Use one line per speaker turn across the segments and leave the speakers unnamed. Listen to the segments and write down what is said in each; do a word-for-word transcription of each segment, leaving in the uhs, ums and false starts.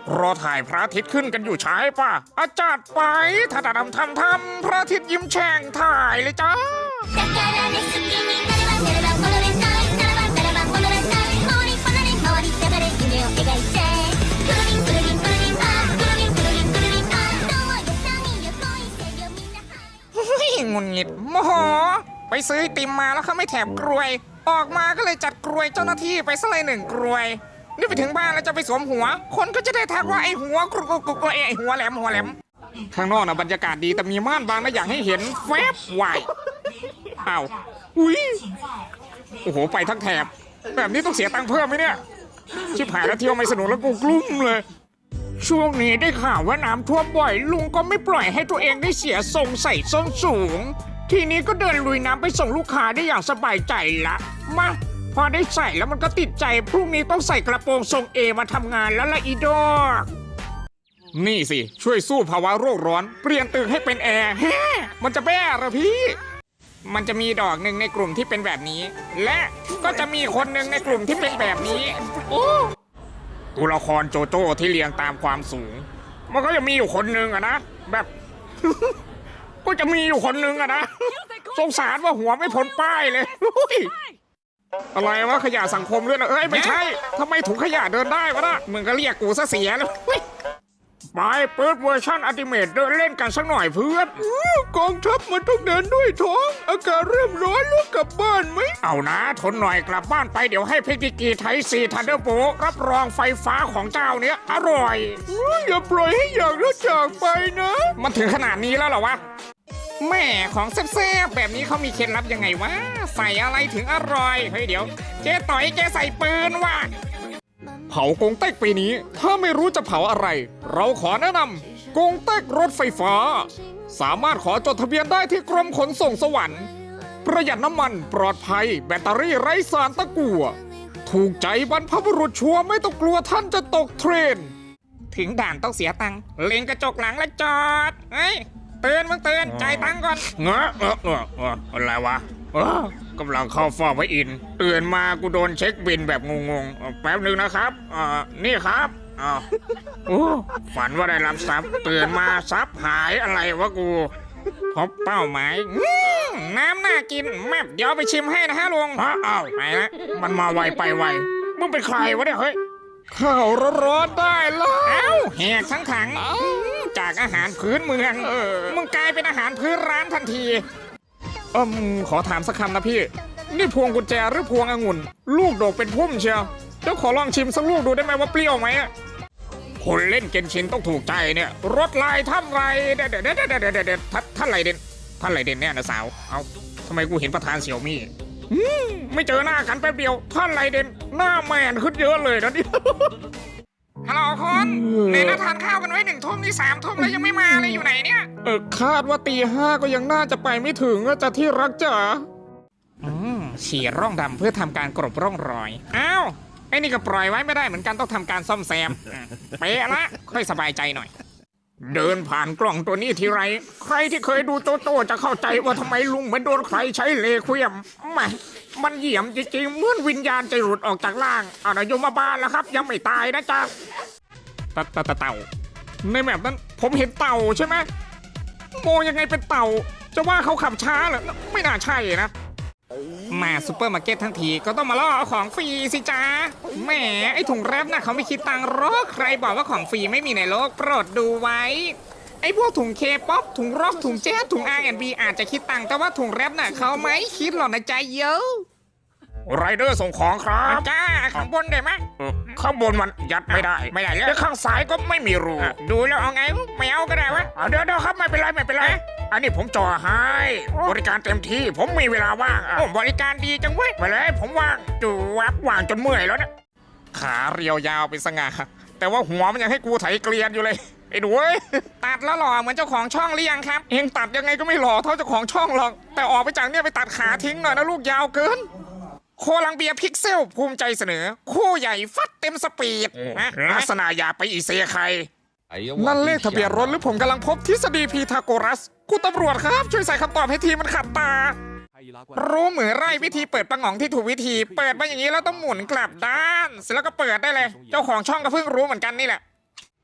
รอถ่ายพระอาทิตย์ขึ้นกันอยู่ใช่ป่ะอาจารย์ไปถ้าทำทำทำพระอาทิตย์ยิ้มแฉ่งถ่ายเลยจ้างุนงิดโมโหไปซื้อไอติมมาแล้วเขาไม่แถมกรวยออกมาก็เลยจัดกรวยเจ้าหน้าที่ไปซะเลยหนึ่งกรวยนี่ไปถึงบ้านแล้วจะไปสวมหัวคนก็จะได้ทักว่าไอหัวกรุกกรุกไอหัวแหลมหัวแหลมข้างนอกนะบรรยากาศดีแต่มีม่านบางนะอยากให้เห็นแฟบวายอ้าวอุ้ยโอ้โหไปทั้งแถบแบบนี้ต้องเสียตังค์เพิ่มไหมเนี่ยชิบหายแล้วเที่ยวไม่สนุกแล้วกูกลุ้มเลยช่วงนี้ได้ข่าวว่าน้ำท่วมบ่อยลุงก็ไม่ปล่อยให้ตัวเองได้เสียทรงใส่ส้นสูงทีนี้ก็เดินลุยน้ำไปส่งลูกค้าได้อย่างสบายใจละมาพอได้ใส่แล้วมันก็ติดใจพรุ่งนี้ต้องใส่กระโปรงทรงเอมาทำงานแล้วละอีดอกนี่สิช่วยสู้ภาวะโลกร้อนเปลี่ยนตึกให้เป็นแอร์แฮมันจะแบ้เหรอพี่มันจะมีดอกหนึ่งในกลุ่มที่เป็นแบบนี้และก็จะมีคนหนึ่งในกลุ่มที่เป็นแบบนี้โอ้ตัวละครโจโจ้ที่เรียงตามความสูงมันก็จะมีอยู่คนหนึ่งอะนะแบบ ก็จะมีอยู่คนหนึ่งอะนะสงสารว่าหัวไม่พ้นป้ายเลยอะไรวะขยะสังคมด้วยนะเอ้ยไม่ใช่ทำไมถุงขยะเดินได้วะนะมึงก็เรียกกูซะเสียแล้วไปเปิดเวอร์ชันอัลติเมทเดินเล่นกันสักหน่อยเพื่อนกองทัพมันต้องเดินด้วยท้องอากาศเริ่มร้อนแล้วกลับบ้านไหมเอานะทนหน่อยกลับบ้านไปเดี๋ยวให้เพกิกีไทซีทันเดอร์โบรับรองไฟฟ้าของเจ้าเนี้ยอร่อยอย่าปล่อยให้อยากแล้วจากไปนะมันถึงขนาดนี้แล้วเหรอวะแม่ของแซ่บๆแบบนี้เขามีเคล็ดลับยังไงวะใส่อะไรถึงอร่อยเฮ้ยเดี๋ยวเจ๊ต่อยแกใส่ปืนว่ะเผากงเต็กปีนี้ถ้าไม่รู้จะเผาอะไรเราขอแนะนำกงเต็กรถไฟฟ้าสามารถขอจดทะเบียนได้ที่กรมขนส่งสวรรค์ประหยัดน้ำมันปลอดภัยแบตเตอรี่ไร้สารตะกั่วถูกใจบรรพบุรุษชัวร์ไม่ต้องกลัวท่านจะตกเทรนถึงด่านต้องเสียตังค์เล็งกระจกหลังแล้วจอดเฮ้ยเตือนมึงเตือนจ่ายตังค์ก่อนเงอะเออเออเอออะไรวะเออกำลังเข้าฟอร์มไว้อินเตือนมากูโดนเช็คบินแบบงงๆแป๊บหนึ่งนะครับอ่านี่ครับอ้าวโอ้ฝันว่าได้รับทรัพย์เตือนมาทรัพย์หายอะไรวะกูพบเป้าหมายน้ำน่ากินแม่เดี๋ยวไปชิมให้นะฮะลุงอ้าวไหนนะมันมาไวไปไวมึงเป็นใครวะเนี่ยเฮ้ยข้าวร้อนๆได้แล้วเอ้าแหกทั้งถังจากอาหารพื้นเมืองมึงกลายเป็นอาหารพื้นร้านทันทีเอิมขอถามสักคำนะพี่นี่พวงกุญแจหรือพวงองุ่นลูกโดกเป็นพุ่มเชียวเดี๋ยวขอลองชิมสักลูกดูได้ไหมว่าเปรี้ยวไหมคนเล่นเกนชินต้องถูกใจเนี่ยรถลายท่านไรเด็ดเด็ดเด็ดเด็ดเด็ดเด็ดท่านไรเด่นท่านไรเด่นเนี่ยนะสาวเอาทำไมกูเห็นประธานเสี่ยวมี่ไม่เจอหน้ากันแป๊บเดียวท่านไรเด่นหน้าแมนขึ้นเยอะเลยนะนี่ฮัลโหลคนในนัดทานข้าวกันไว้หนึ่งทุ่มนี่สามทุ่มแล้วยังไม่มาเลยอยู่ไหนเนี่ยเออคาดว่าตีห้าก็ยังน่าจะไปไม่ถึงจะที่รักจ๋าอืมฉีดร่องดำเพื่อทำการกลบร่องรอยอ้าวไอ้นี่ก็ปล่อยไว้ไม่ได้เหมือนกันต้องทำการซ่อมแซมเป๊ะละค่อยสบายใจหน่อยเดินผ่านกล่องตัวนี้ทีไรใครที่เคยดูโจโจ้จะเข้าใจว่าทำไมลุงเหมือนโดนใครใช้เลคุยมมามันเหยี่ยมจริงๆเหมือนวิญญาณจะหลุดออกจากร่างเอานายมมาบ้านแล้วครับยังไม่ตายนะจ๊ะตะตะตะเต่าในแบบนั้นผมเห็นเต่าใช่ไหมโมยังไงเป็นเต่าจะว่าเขาขับช้าเหรอไม่น่าใช่นะมาซูเปอร์มาร์เก็ตทั้งทีก็ต้องมาล่อเอาของฟรีสิจ้าแหมไอถุงแรปน่ะเขาไม่คิดตังค์หรอกใครบอกว่าของฟรีไม่มีในโลกโปรดดูไว้ไอพวกถุงเคป๊อปถุงร็อกถุงแจ๊สถุง อาร์ แอนด์ บี อาจจะคิดตังค์แต่ว่าถุงแรปน่ะเขาไม่คิดหรอกนะใจเยอะไรเดอร์ส่งของครับจ้าข้างบนได้ไหมข้างบนมันยัดไม่ได้ไม่ได้แล้วข้างซ้ายก็ไม่มีรูดูแล้วเอาไงไม่เอาก็ได้วะเดี๋ยวเดี๋ยวครับไม่เป็นไรไม่เป็นไรอันนี้ผมจ่อให้บริการเต็มที่ผมมีเวลาว่างบริการดีจังเว้ยไปเลยผมว่างจูวับว่างจนเมื่อยแล้วเนี่ยขาเรียวยาวเป็นสง่าแต่ว่าหัวมันยังให้กูไถเกลียนอยู่เลยไอ้ดูเว้ยตัดแล้วหล่อเหมือนเจ้าของช่องหรือยังครับเองตัดยังไงก็ไม่หล่อเท่าเจ้าของช่องหรอกแต่ออกไปจากเนี่ยไปตัดขาทิ้งหน่อยนะลูกยาวเกินโคลังเบียพิกเซลภูมิใจเสนอคู่ใหญ่ฟัดเต็มสปีดลักษณะอย่าไปอีเซใครนั่นเลขทะเบียนรถหรือผมกำลังพบทฤษฎีพีทาโกรัสคุณตำรวจครับช่วยใส่คำตอบให้ทีมันขัดตารู้เหมือนไร่วิธีเปิดปังหองที่ถูกวิธีเปิดมาอย่างนี้แล้วต้องหมุนกลับด้านเสร็จแล้วก็เปิดได้เลยเจ้าของช่องก็เพิ่งรู้เหมือนกันนี่แหละ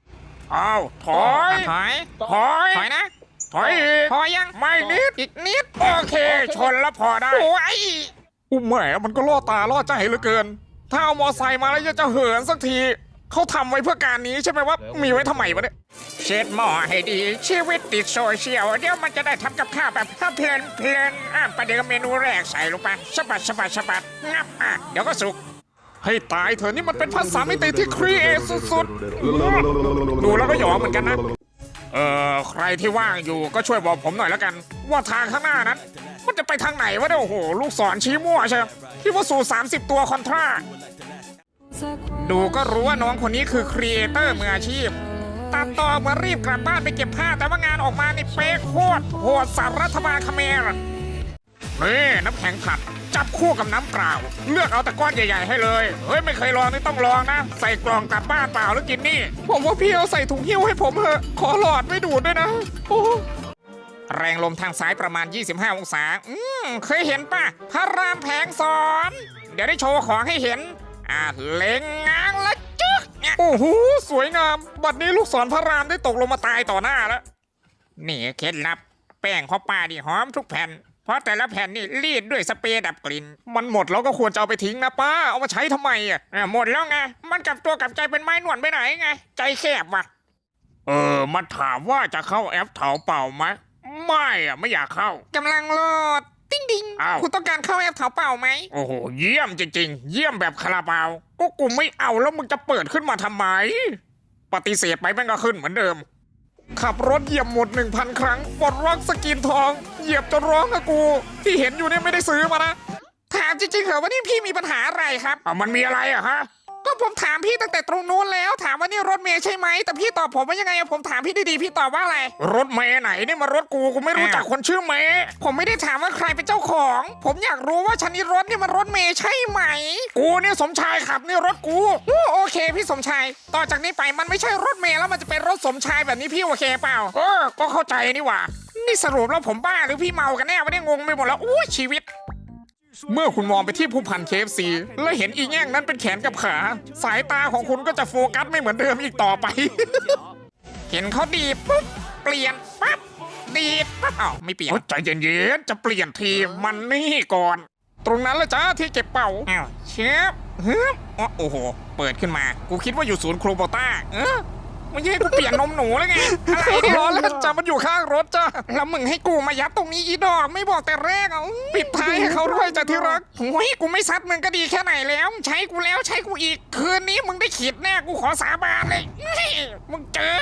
อ้าวถอย
ถอย
ถอย
ถอยนะ
ถอยอีก
พอยัง
ไม่นิด
อีกนิด
โอเค ชนแล้วพอได้
โอ้ย
อุ้มแหมมันก็ล่อตาล่อใจเหลือเกิน ถ้าเอามอไซค์มาแล้วจะจะเหินสักที เขาทำไว้เพื่อการนี้ใช่ไหมว่ามีไว้ทำไมวะเนี่ย
เช็ดหม้อให้ดีชีวิตติดโซเชียลเดี๋ยวมันจะได้ทำกับข้าวแบบเพลินเพลินอ่ะประเดี๋ยวเมนูแรกใส่ลงไปสะบัดสะบัดสะบัดงับอ่ะเดี๋ยวก็สุก
ให้ตายเถอะนี่มันเป็นภาษามิติที่ครีเอทสุดๆ ดูแล้วก็หยองเหมือนกันนะ เอ่อ ใครที่ว่างอยู่ก็ช่วยบอกผมหน่อยแล้วกัน ว่าทางข้างหน้านั้น มันจะไปทางไหนวะเนี่ยโอ้โห ลูกศรชี้มั่วใช่ไหมที่ว่าสู่สามสิบตัวคอนทรา
ดูก็รู้ว่าน้องคนนี้คือครีเอเตอร์มืออาชีพตัดต่อเหมารีบกลับบ้านไปเก็บผ้าแต่ว่างานออกมานี่เป๊ะโคตรโหดสารรัฐบาลเขมรนี่น้ำแข็งผัดจับคู่กับน้ำเปล่า เลือกเอาแต่ก้อนใหญ่ๆให้เลย เฮ้ยไม่เคยลองนี่ต้องลองนะ ใส่กล่องกลับบ้านเปล่าแล้วกินนี่
ผมว่าพี่เอาใส่ถุงหิ้วให้ผมเถอะ ขอหลอดไม่ดูดด้วยนะ โอ้
แรงลมทางซ้ายประมาณ ยี่สิบห้า องศา อืมเคยเห็นป่ะ พระรามแผงสอน เดี๋ยวได้โชว์ของให้เห็น อ่ะเล็งง้างและจึ๊กเนี่ย
โอ้โห สวยงาม บัดนี้ลูกศรพระรามได้ตกลงมาตายต่อหน้าแล้ว
นี่เคล็ดลับ แป้งของป้านี่หอมทุกแผ่น เพราะแต่ละแผ่นนี่รีดด้วยสเปรย์ดับกลิ่น
มันหมดแล้วก็ควรจะเอาไปทิ้งนะป้า เอามาใช้ทำไมอ่ะ
อ่ะหมดแล้วไง มันกลับตัวกลับใจเป็นไม้หนวดไปไหนไง ใจแคบว่ะ
เออ มันถามว่าจะเข้าแอปเถาเป่าไหม ไม่อ่ะ ไม่อยากเข้า
กำลังโหลด ติ้งดิง
อ้าว
คุณต้องการเข้าแอปเถาเป่าไหม
โอ้โห เยี่ยมจริงๆ เยี่ยมแบบคาราบาว ก็กูไม่เอาแล้วมึงจะเปิดขึ้นมาทำไม ปฏิเสธไปแม่งก็ขึ้นเหมือนเดิม ขับรถเหยียบหมดหนึ่งพันครั้งปลดล็อกสกินทอง เหยียบจนร้องอะกู ที่เห็นอยู่เนี่ยไม่ได้ซื้อมานะ
ถามจริงๆเหรอว่านี่พี่มีปัญหาอะไรครับ
อ่ะมันมีอะไรอะฮะ
ก็ผมถามพี่ตั้งแต่ตรงนู้นแล้ว ถามว่านี่รถเมย์ใช่ไหม แต่พี่ตอบผมว่ายังไงอะผมถามพี่ดีๆพี่ตอบว่าอะไร
รถเมย์ไหนนี่มารถกูกูไม่รู้จักคนชื่อเมย์
ผมไม่ได้ถามว่าใครเป็นเจ้าของ ผมอยากรู้ว่าชนิดรถนี่มันรถเมย์ใช่ไหม
กูเนี่ยสมชายขับนี่รถกู
โอ้โอเคพี่สมชาย ต่อจากนี้ไปมันไม่ใช่รถเมย์แล้วมันจะเป็นรถสมชายแบบนี้พี่โอเคเปล่า
เออ ก็เข้าใจนี่หว่า
นี่สรุปแล้วผมบ้าหรือพี่เมากันแน่วะเนี่ยงงไปหมดแล้วอู้ชีวิต
เมื่อคุณมองไปที่ผู้พันเคฟซีและเห็นอีแง่งนั้นเป็นแขนกับขา สายตาของคุณก็จะโฟกัสไม่เหมือนเดิมอีกต่อไป
เห็นเขาดีดปุ๊บเปลี่ยนปั๊บดีดปั๊บอ้าวไม่เปลี่ยน
โอ้ใจเย็นๆจะเปลี่ยนทีมันนี่ก่อน ตรงนั้นแหละจ้าที่เก็บเป่า
อ้าวเชฟฮึบอ๋อโอ้โห เปิดขึ้นมา กูคิดว่าอยู่ศูนย์โครโบต้า เออไม่ใช่ให้กูเปลี่ยนนมหนูแล้วไง อะไรเนี่ย
ร้อนแล้วจ้ามันอยู่ข้างรถจ้า
แล้วมึงให้กูมายัดตรงนี้อีดอก ไม่บอกแต่แรกอ่ะ
ปิดท้ายให้เขาด้วยจ้ะที่รัก
โอ้ยกูไม่ซัดมึงก็ดีแค่ไหนแล้ว ใช้กูแล้วใช้กูอีก คืนนี้มึงได้ขีดแน่กูขอสาบานเลยนี่มึงเจอ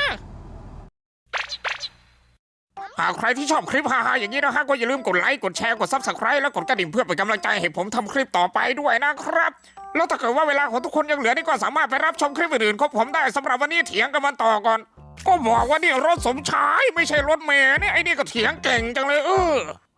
หากใครที่ชอบคลิปฮาๆอย่างนี้นะฮะก็อย่าลืมกดไลค์กดแชร์กดซับสไคร b e และกดกระดิ่งเพื่อเป็นกำลังใจให้ผมทำคลิปต่อไปด้วยนะครับ แล้วถ้าเกิดว่าเวลาของทุกคนยังเหลือนี่ก็สามารถไปรับชมคลิปอื่นๆของผมได้สำหรับวันนี้เถียงกันมันต่อก่อน ก็บอกว่านี่รถสมชายไม่ใช่รถเมย์เนี่ยไอ้นี่ก็เถียงเก่งจังเลยเออ